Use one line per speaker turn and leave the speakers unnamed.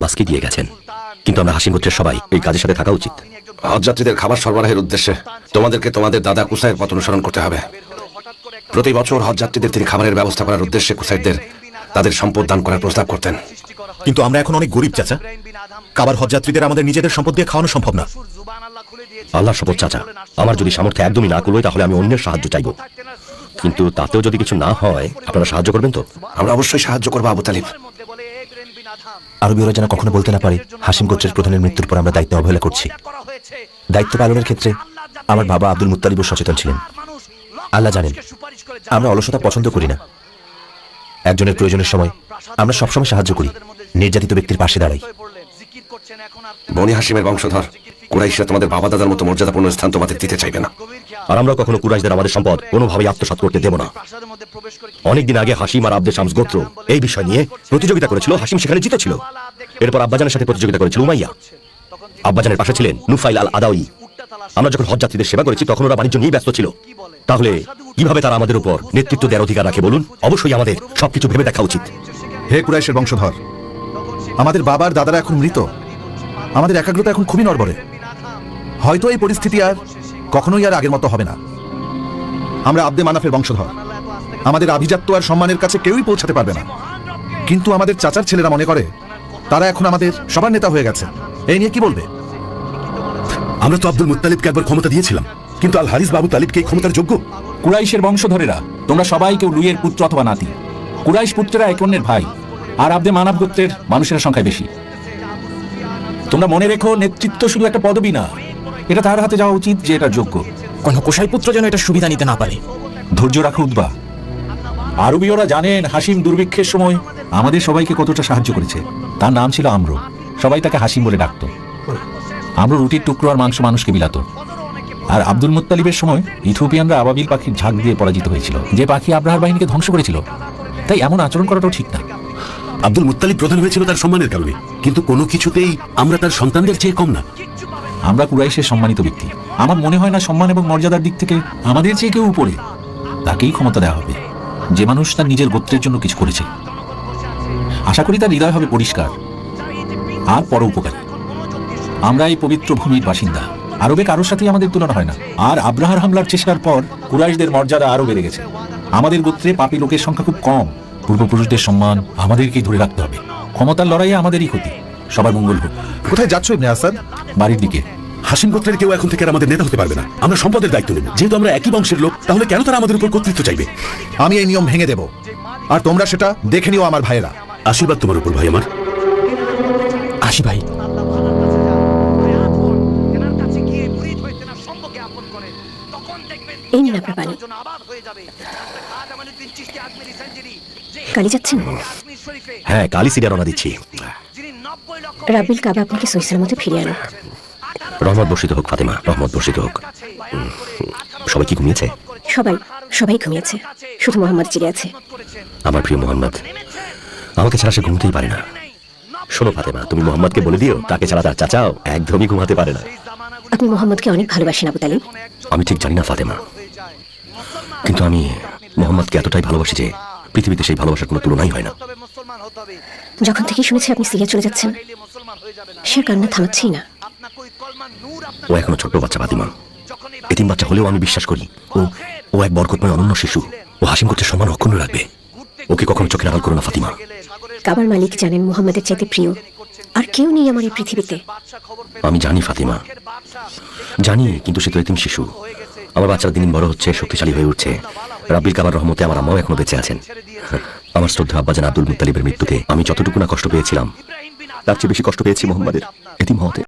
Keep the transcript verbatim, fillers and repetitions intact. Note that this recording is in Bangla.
আজকে দিয়ে গেছেন, কিন্তু আমরা হাসিম গোত্রের সবাই এই কাজের সাথে থাকা উচিত।
হজযাত্রীদের খাবার সরবরাহের উদ্দেশ্যে তোমাদেরকে তোমাদের দাদা কুসাইয়ের পথ অনুসরণ করতে হবে। প্রতি বছর হজযাত্রীদের তিনি খাবারের ব্যবস্থা করার উদ্দেশ্যে কুসাইরদের তাদের সম্পদ দান করার প্রস্তাব করতেন।
কিন্তু আমরা এখন অনেক গরিব চাচা, কাবার হজযাত্রীদের আমাদের নিজেদের সম্পদ দিয়ে খাওয়ানো সম্ভব না।
আল্লাহর শপথ চাচা, আমার যদি সামর্থ্য একদমই না করবে তাহলে আমি অন্যের সাহায্য চাইব, কিন্তু তাতেও যদি কিছু না হয় আপনারা সাহায্য করবেন তো?
আমরা অবশ্যই সাহায্য করবো আবু তালিব।
আরবীয়রা যেন কখনো বলতে না পারে হাসিম গোত্রের প্রধানের মৃত্যুর পর আমরা দায়িত্ব অবহেলা করছি। দায়িত্ব পালনের ক্ষেত্রে আমার বাবা আব্দুল মুত্তালিবও সচেতন ছিলেন। আল্লাহ জানেন আমরা অলসতা পছন্দ করি না। একজনের প্রয়োজনের সময় আমরা সবসময় সাহায্য করি, নির্যাতিত ব্যক্তির পাশে দাঁড়াই।
বনি হাসিমের বংশধর কুরাইশরা তোমাদের বাবা দাদার মতো মর্যাদাপূর্ণ স্থান তোমাদের দিতে চাইবে না,
আর আমরা কখনো কুরাইশদের আমাদের সম্পদ কোনোভাবেই আত্মসাৎ করতে দেব না। অনেকদিন আগে হাসিম আর আব্দে শামস গোত্র এই বিষয় নিয়ে প্রতিযোগিতা করেছিল, হাসিম সেখানে জিতেছিল। এরপর আব্বাজানের সাথে প্রতিযোগিতা করেছিল উমাইয়া, আব্বাজানের পাশে ছিলেন নুফাইল আল আদাউই। আমরা যখন হজযাত্রীদের সেবা করেছি তখন ওরা বাণিজ্য নিয়ে ব্যস্ত ছিল, তাহলে কিভাবে তারা আমাদের উপর নেতৃত্ব দেওয়ার অধিকার রাখে বলুন? অবশ্যই আমাদের সবকিছু ভেবে দেখা উচিত।
হে কুরাইশের বংশধর, আমাদের বাবার দাদারা এখন মৃত, আমাদের একাগ্রতা এখন খুবই নড়বড়ে। হয়তো এই পরিস্থিতি আর কখনোই আর আগের মতো হবে না। আমরা আব্দে মানাফের বংশধর, আমাদের আভিজাত্য আর সম্মানের কাছে কেউই পৌঁছাতে পারবে না। কিন্তু আমাদের চাচার ছেলেরা মনে করে তারা এখন আমাদের সবার নেতা হয়ে গেছে। এই নিয়ে কি বলবে?
আমরা তো আব্দুল মুত্তালিবকে একবার ক্ষমতা দিয়েছিলাম, কিন্তু আল হারিস বাবু তালিবকে এই ক্ষমতার যোগ্য?
কুরাইশের বংশধরেরা তোমরা সবাই কেউ লুইয়ের পুত্র অথবা নাতি। কুরাইশ পুত্রেরা এক অন্যের ভাই, আর আব্দে মানাফ গোত্রের মানুষের সংখ্যায় বেশি। তোমরা মনে রেখো, নেতৃত্ব শুধু একটা পদবি না, এটা তার হাতে যাওয়া উচিত যে এটা যোগ্য।
কোন কোষাই পুত্র যেন এটা সুবিধা নিতে না পারে।
ধৈর্য রাখো উদ্বা। আরবীয়রা জানেন হাসিম দুর্ভিক্ষের সময় আমাদের সবাইকে কতটা সাহায্য করেছে। তার নাম ছিল আম্র, সবাই তাকে হাসিম বলে ডাকতো। আম্র রুটির টুকরো আর মাংস মানুষকে বিলাত। আর আব্দুল মুত্তালিবের সময় ইথিওপিয়ানরা আবাবিল পাখির ঝাঁক দিয়ে পরাজিত হয়েছিল, যে পাখি আব্রাহার বাহিনীকে ধ্বংস করেছিল। তাই এমন আচরণ করাটাও ঠিক না।
আব্দুল মুত্তালিব প্রধান হয়েছিল তার সম্মানের কারণে, কিন্তু কোনো কিছুতেই আমরা তার সন্তানদের চেয়ে কম না।
আমরা কুরাইশের সম্মানিত ব্যক্তি, আমার মনে হয় না সম্মান এবং মর্যাদার দিক থেকে আমাদের চেয়ে কেউ উপরে। তাকেই ক্ষমতা দেওয়া হবে যে মানুষ তার নিজের গোত্রের জন্য কিছু করেছে। আশা করি তার হৃদয় হবে পরিষ্কার আর পরোপকারী। আমরা এই পবিত্র ভূমির বাসিন্দা, আরবে কারোর সাথেই আমাদের তুলনা হয় না। আর আব্রাহার হামলার চেষ্টার পর কুরাইশদের মর্যাদা আরো বেড়ে গেছে। আমাদের গোত্রে পাপী লোকের সংখ্যা খুব কম। পূর্বপুরুষদের সম্মান আমাদেরকেই ধরে রাখতে হবে। ক্ষমতার লড়াইয়ে আমাদেরই ক্ষতি। সবার মঙ্গল হোক।
কোথায় যাচ্ছ ইবনে আসাদ?
বাড়ির দিকে।
হাসিম গোত্রের কেউ এখন থেকে আর আমাদের নেতা হতে পারবে না। আমরা সম্পদের দায়িত্ব নেব। যেহেতু আমরা একই বংশের লোক, তাহলে কেন তারা আমাদের উপর কর্তৃত্ব চাইবে?
আমি এই নিয়ম ভেঙে দেব, আর তোমরা সেটা দেখে নিও আমার ভাইয়েরা।
আশীর্বাদ তোমার উপর ভাই আমার।
আসি ভাই।
এই নিন আপনার পানি। কালি যাচ্ছেন?
হ্যাঁ, কালই সিরিয়া রওনা দিচ্ছি।
রাব্বিল কাবা আপনাকে সহিসের মধ্যে ফিরিয়ে আনুক।
রহমত বর্ষিত হোক ফাতেমা, রহমত বর্ষিত হোক। সবাই কি ঘুমিয়েছে?
সবাই সবাই ঘুমিয়েছে, শুধু মোহাম্মদ জেগে আছে।
আমার প্রিয় মোহাম্মদ আমাকে ছাড়া সে ঘুমতেই পারে না। শোনো ফাতেমা, তুমি মোহাম্মদকে বলে দিও তাকে ছাড়া তার চাচাও একদমই ঘুমাতে পারে না।
আপনি মোহাম্মদকে অনেক ভালোবাসেন আবু তালিব।
আমি ঠিক জানি না ফাতেমা, কিন্তু আমি মোহাম্মদকে এতটাই ভালোবাসি যে পৃথিবীতে সেই ভালোবাসার কোনো তুলনাই হয় না।
যখন থেকে শুনেছি আপনি সিরিয়া চলে যাচ্ছেন, সে কান্না থামাচ্ছেই না।
ও এখনো ছোট্ট বাচ্চা ফাতেমা, এতিম বাচ্চা হলেও আমি বিশ্বাস করি ও ও এক বরকতময় অনন্য শিশু। ও হাসিম করতে সম্মান অক্ষুণ্ণ রাখবে। ওকে কখনো চোখের আড়াল করো না ফাতিমা।
কাবার মালিক জানেন মুহাম্মাদের চাইতে প্রিয় আর কেউ নেই আমার এই পৃথিবীতে।
আমি জানি ফাতিমা, জানি, কিন্তু সে তো এতিম শিশু। আমার বাচ্চারা দিন দিন বড় হচ্ছে, শক্তিশালী হয়ে উঠছে। রাব্বিল কাবার রহমতে আমার আম্মাও এখনো বেঁচে আছেন। আমার শ্রদ্ধা আব্বাজান আব্দুল মুত্তালিবের মৃত্যুতে আমি যতটুকু না কষ্ট পেয়েছিলাম, তার চেয়ে বেশি কষ্ট পেয়েছি মোহাম্মদের এতিম হওয়াতে।